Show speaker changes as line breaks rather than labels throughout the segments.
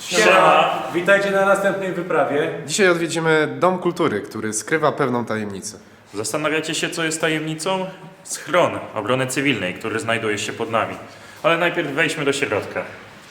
Siema! Witajcie na następnej wyprawie.
Dzisiaj odwiedzimy Dom Kultury, który skrywa pewną tajemnicę.
Zastanawiacie się, co jest tajemnicą? Schron obrony cywilnej, który znajduje się pod nami. Ale najpierw wejdźmy do środka.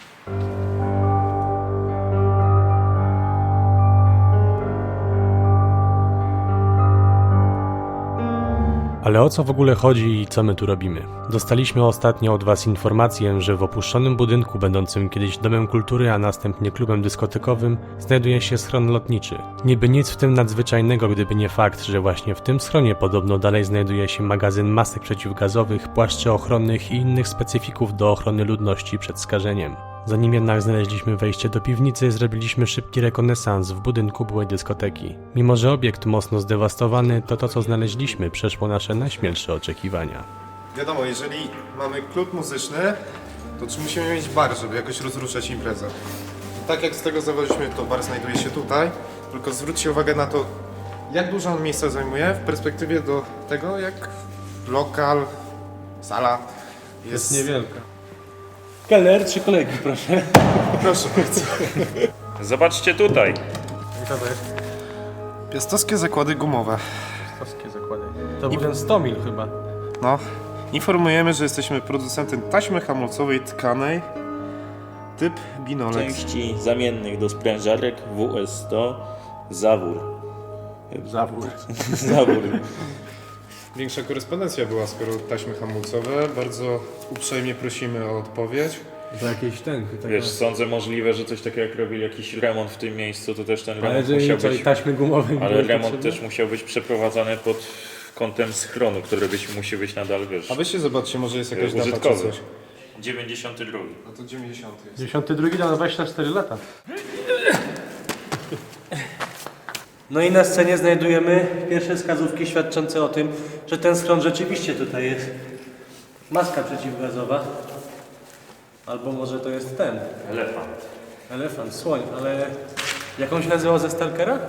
Ale o co w ogóle chodzi i co my tu robimy? Dostaliśmy ostatnio od Was informację, że w opuszczonym budynku będącym kiedyś Domem Kultury, a następnie klubem dyskotekowym znajduje się schron lotniczy. Niby nic w tym nadzwyczajnego, gdyby nie fakt, że właśnie w tym schronie podobno dalej znajduje się magazyn masek przeciwgazowych, płaszczy ochronnych i innych specyfików do ochrony ludności przed skażeniem. Zanim jednak znaleźliśmy wejście do piwnicy, zrobiliśmy szybki rekonesans w budynku byłej dyskoteki. Mimo że obiekt mocno zdewastowany, to co znaleźliśmy przeszło nasze najśmielsze oczekiwania.
Wiadomo, jeżeli mamy klub muzyczny, to czy musimy mieć bar, żeby jakoś rozruszać imprezę. I tak jak z tego założyliśmy, to bar znajduje się tutaj, tylko zwróćcie uwagę na to, jak dużo on miejsca zajmuje w perspektywie do tego, jak lokal, sala jest
Niewielka. Keller, 3 kolejki, proszę.
Proszę bardzo.
Zobaczcie tutaj.
Co to jest?
Piastowskie zakłady gumowe.
Polskie zakłady. To był ten 100 mil chyba.
No, informujemy, że jesteśmy producentem taśmy hamulcowej tkanej typ Binolex.
Części zamiennych do sprężarek WS100 Zawór.
Zawór.
Zawór.
Większa korespondencja była, skoro taśmy hamulcowe. Bardzo uprzejmie prosimy o odpowiedź.
To jakieś ten.
Wiesz, sądzę możliwe, że coś takiego jak robili jakiś remont w tym miejscu, to też ten
Ale
remont
że
musiał
co,
być...
taśmy gumowe.
Ale
były
remont
potrzebne?
też musiał być przeprowadzany pod kątem schronu, który musi być nadal, wiesz,
A weźcie zobaczcie, może jest jakaś data czy
użytkowy.
coś.
92.
No to 90 jest.
92 na 24 lata. No i na scenie znajdujemy pierwsze wskazówki świadczące o tym, że ten schron rzeczywiście tutaj jest. Maska przeciwgazowa. Albo może to jest ten. Elefant, słoń, ale jak on się nazywał ze Stalkera?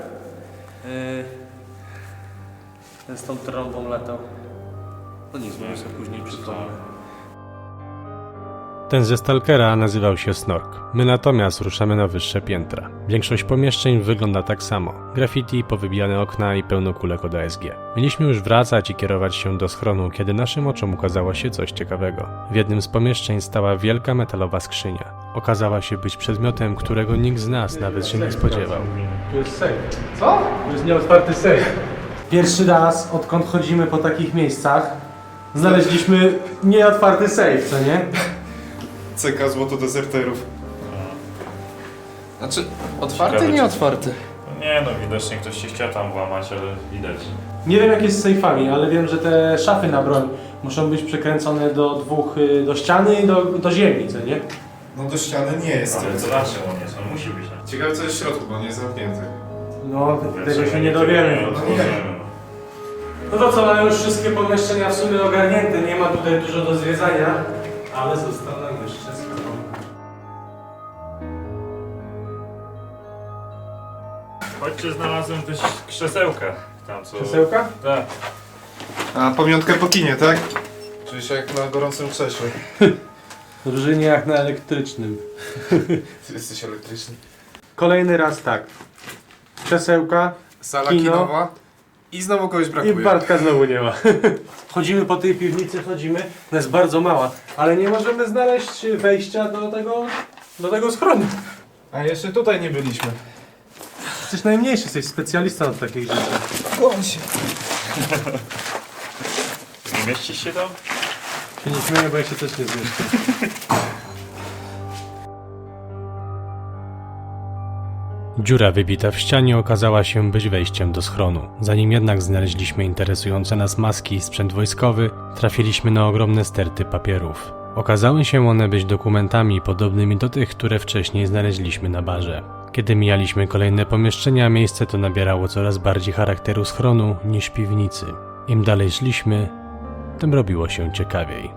Ten z tą trąbą latał. No nic, może sobie później przypomnę.
Ten ze Stalkera nazywał się Snork. My natomiast ruszamy na wyższe piętra. Większość pomieszczeń wygląda tak samo. Graffiti, powybijane okna i pełno kulek od ASG. Mieliśmy już wracać i kierować się do schronu, kiedy naszym oczom ukazało się coś ciekawego. W jednym z pomieszczeń stała wielka metalowa skrzynia. Okazała się być przedmiotem, którego nikt z nas nawet się nie spodziewał.
Tu jest safe. Co? Tu jest nieotwarty safe. Pierwszy raz, odkąd chodzimy po takich miejscach, znaleźliśmy nieotwarty safe, co nie?
CK Złoto Dezerterów. Znaczy, otwarty,
Ciekawe,
nie
czy-
otwarty.
Nie no, widocznie ktoś się chciał tam włamać, ale widać.
Nie wiem jak jest z sejfami, ale wiem, że te szafy na broń muszą być przekręcone do ściany i do ziemi, co nie?
No do ściany nie jest.
Ale to na czym on jest? On musi być na
Ciekawe co jest w środku, bo nie jest zamknięty.
No, tego się nie dowiemy. No to co, mamy już wszystkie pomieszczenia w sumie ogarnięte, nie ma tutaj dużo do zwiedzania, ale został nam jeszcze schron.
Chodźcie, znalazłem też krzesełka. Tam co...
Krzesełka?
Tak.
A pamiątkę po kinie, tak? Czyli się jak na gorącym krześle.
Drużynie jak na elektrycznym.
Ty jesteś elektryczny.
Kolejny raz tak. Krzesełka
Sala
Kino.
kinowa. I znowu kogoś
i
brakuje.
Bartka znowu nie ma. Chodzimy po tej piwnicy, ona jest bardzo mała, ale nie możemy znaleźć wejścia do tego schronu.
A jeszcze tutaj nie byliśmy.
Jesteś najmniejszy, jesteś specjalistą od takich rzeczy.
Kłon się.
Nie mieścisz się tam?
Się nie śmieję, bo ja się też nie zmieszczę.
Dziura wybita w ścianie okazała się być wejściem do schronu. Zanim jednak znaleźliśmy interesujące nas maski i sprzęt wojskowy, trafiliśmy na ogromne sterty papierów. Okazały się one być dokumentami podobnymi do tych, które wcześniej znaleźliśmy na barze. Kiedy mijaliśmy kolejne pomieszczenia, miejsce to nabierało coraz bardziej charakteru schronu niż piwnicy. Im dalej szliśmy, tym robiło się ciekawiej.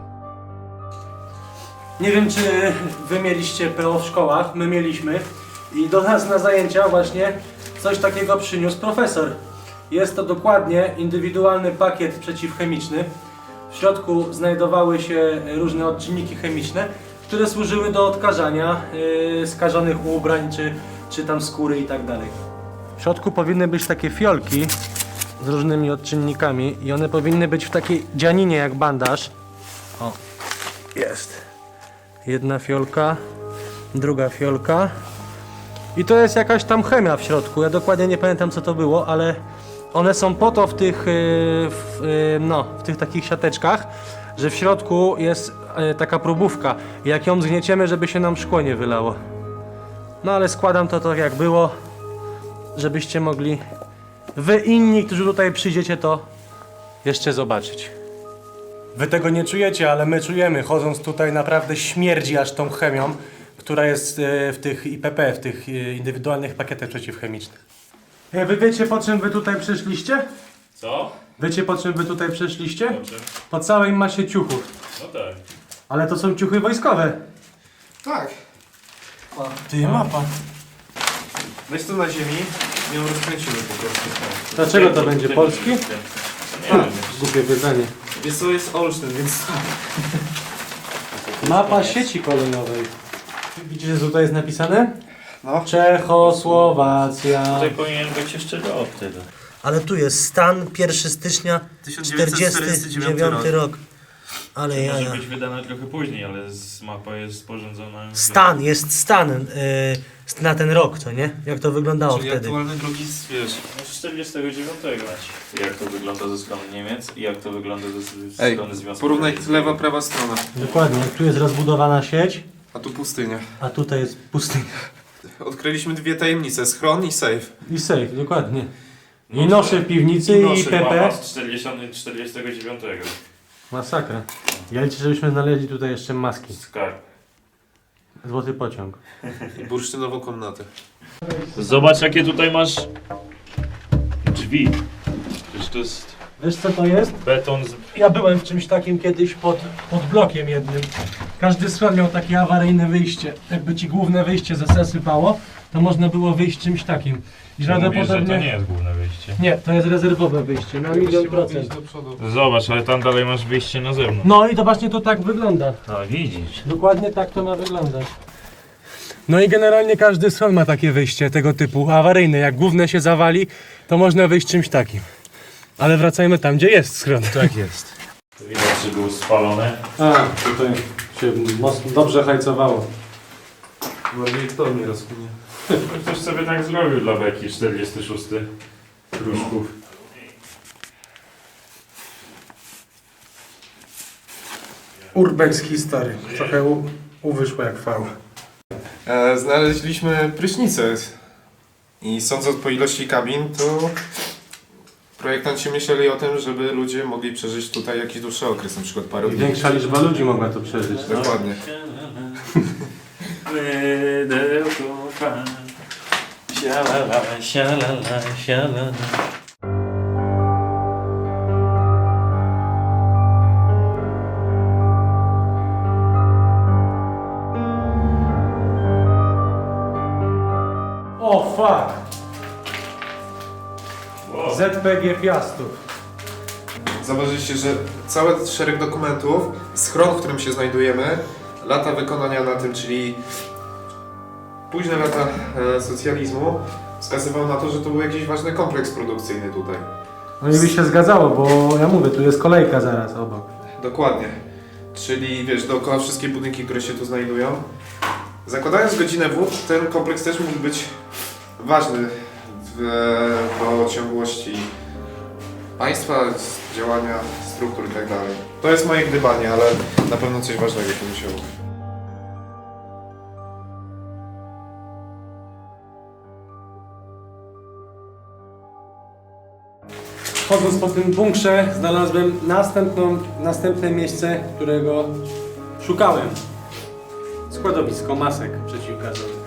Nie wiem, czy wy mieliście PO w szkołach, my mieliśmy i do nas na zajęcia właśnie coś takiego przyniósł profesor. Jest to dokładnie indywidualny pakiet przeciwchemiczny. W środku znajdowały się różne odczynniki chemiczne, które służyły do odkażania skażonych ubrań, czy tam skóry i tak dalej. W środku powinny być takie fiolki z różnymi odczynnikami i one powinny być w takiej dzianinie jak bandaż. O, jest. Jedna fiolka, druga fiolka. I to jest jakaś tam chemia w środku. Ja dokładnie nie pamiętam co to było, ale one są po to w tych takich siateczkach, że w środku jest taka próbówka. Jak ją zgnieciemy, żeby się nam szkło nie wylało. No ale składam to tak jak było, żebyście mogli wy inni, którzy tutaj przyjdziecie, to jeszcze zobaczyć. Wy tego nie czujecie, ale my czujemy. Chodząc tutaj naprawdę śmierdzi aż tą chemią, która jest w tych IPP, w tych indywidualnych pakietach przeciwchemicznych. Wy wiecie, po czym wy tutaj przyszliście?
Co?
Wiecie, po czym wy tutaj przyszliście?
Po czym?
Po całej masie ciuchów.
No tak.
Ale to są ciuchy wojskowe.
Tak.
Ty, mapa.
Weź to na ziemi i ją rozkręcimy po prostu.
Dlaczego to będzie polski?
Nie wiem.
Głupie pytanie.
Wiesz co, jest Olsztyn, więc...
Mapa sieci kolejowej. Widzicie, co tutaj jest napisane?
No.
Czechosłowacja.
Tutaj powinien być jeszcze rok tego.
Ale tu jest stan 1 stycznia 1949 rok. Ale
Może
jaja.
być wydana trochę później, ale mapa jest sporządzona...
Stan, jest stan na ten rok, co nie? Jak to wyglądało
Czyli
wtedy?
aktualny drugi, wiesz...
No, z 49. Jak to wygląda ze strony Niemiec i jak to wygląda ze
Ej,
strony Związku
porównaj
Radzieckiego.
lewa, prawa strona.
Dokładnie, tu jest rozbudowana sieć,
A tu pustynia.
a tutaj jest pustynia.
Odkryliśmy dwie tajemnice, schron i safe.
I safe, dokładnie. I
No,
nosze w piwnicy i
noszy
PP.
mapa z 49.
Masakra. Ja liczę, żebyśmy znaleźli tutaj jeszcze maski.
Skarb.
Złoty pociąg.
I bursztynową komnatę.
Zobacz jakie tutaj masz drzwi. Przecież to jest
Wiesz co to jest?
beton z...
Ja byłem w czymś takim kiedyś pod blokiem jednym. Każdy schron miał takie awaryjne wyjście. Jakby ci główne wyjście zasypało, to można było wyjść czymś takim. I
Mówisz, że to
prawdopodobnie...
nie jest główne wyjście.
Nie, to jest rezerwowe wyjście, na 100%.
do przodu.
Zobacz, ale tam dalej masz wyjście na zewnątrz.
No i to właśnie to tak wygląda.
A widzisz.
Dokładnie tak to ma wyglądać. No i generalnie każdy schron ma takie wyjście tego typu awaryjne. Jak główne się zawali, to można wyjść czymś takim. Ale wracajmy tam, gdzie jest schron.
Tak jest. Widać, że było spalone.
A, tutaj się mocno dobrze hajcowało.
Bardziej kto mnie rozkminie.
Ktoś sobie tak zrobił dla beki 46 kruszków.
Urbex History. Trochę uwyszło jak fał.
Znaleźliśmy prysznicę. I sądząc po ilości kabin, to projektanci myśleli o tym, żeby ludzie mogli przeżyć tutaj jakiś dłuższy okres, na przykład parę
I
dni.
większa liczba ludzi mogła to przeżyć. No?
Dokładnie.
Mydełko, sialala, sialala, sialala.
O fuck!
Wow.
ZPG Piastów.
Zauważyliście, że cały szereg dokumentów, schron, w którym się znajdujemy, lata wykonania na tym, czyli późne lata socjalizmu, wskazywał na to, że to był jakiś ważny kompleks produkcyjny tutaj.
No i by się zgadzało, bo ja mówię, tu jest kolejka zaraz obok.
Dokładnie. Czyli wiesz, dookoła wszystkie budynki, które się tu znajdują. Zakładając godzinę W, ten kompleks też mógł być ważny do ciągłości państwa, działania struktur i tak dalej. To jest moje gdybanie, ale na pewno coś ważnego tu musiało być.
Chodząc po tym bunkrze znalazłem następne miejsce, którego szukałem. Składowisko masek przeciwgazowych.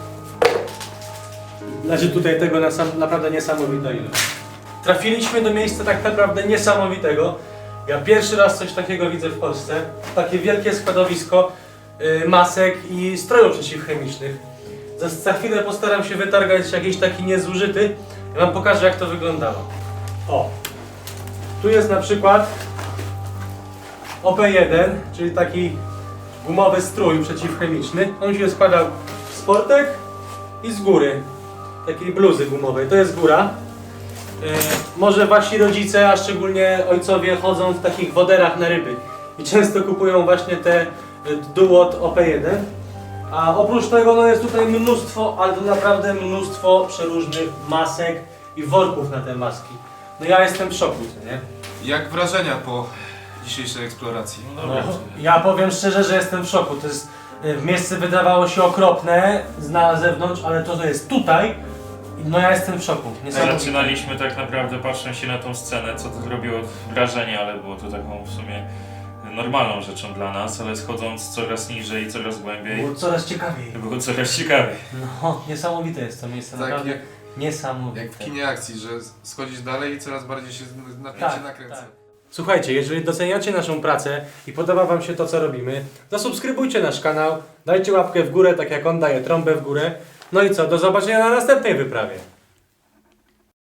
Znaczy tutaj tego naprawdę niesamowita ilość. Trafiliśmy do miejsca tak naprawdę niesamowitego. Ja pierwszy raz coś takiego widzę w Polsce. Takie wielkie składowisko masek i strojów przeciwchemicznych. Za chwilę postaram się wytargać jakiś taki niezużyty. Ja wam pokażę, jak to wyglądało. O! Tu jest na przykład OP1, czyli taki gumowy strój przeciwchemiczny. On się składał z sportek i z góry. Takiej bluzy gumowej. To jest góra. Może wasi rodzice, a szczególnie ojcowie chodzą w takich woderach na ryby. I często kupują właśnie te Duot OP1. A oprócz tego no jest tutaj mnóstwo, ale to naprawdę mnóstwo przeróżnych masek i worków na te maski. No ja jestem w szoku, co nie?
Jak wrażenia po dzisiejszej eksploracji?
No, ja powiem szczerze, że jestem w szoku. To jest, miejsce wydawało się okropne na zewnątrz, ale to, co jest tutaj, no ja jestem w szoku. Niesamowite.
Zaczynaliśmy tak naprawdę patrząc się na tą scenę, co to zrobiło wrażenie, ale było to taką w sumie normalną rzeczą dla nas, ale schodząc coraz niżej, coraz głębiej,
Było coraz ciekawiej.
było coraz ciekawiej.
No, niesamowite jest to miejsce,
Tak,
naprawdę
jak
niesamowite.
w kinie akcji, że schodzisz dalej i coraz bardziej się napięcie nakręca.
tak. Słuchajcie, jeżeli doceniacie naszą pracę i podoba wam się to, co robimy, zasubskrybujcie nasz kanał, dajcie łapkę w górę, tak jak on daje trąbę w górę. No i co, do zobaczenia na następnej wyprawie.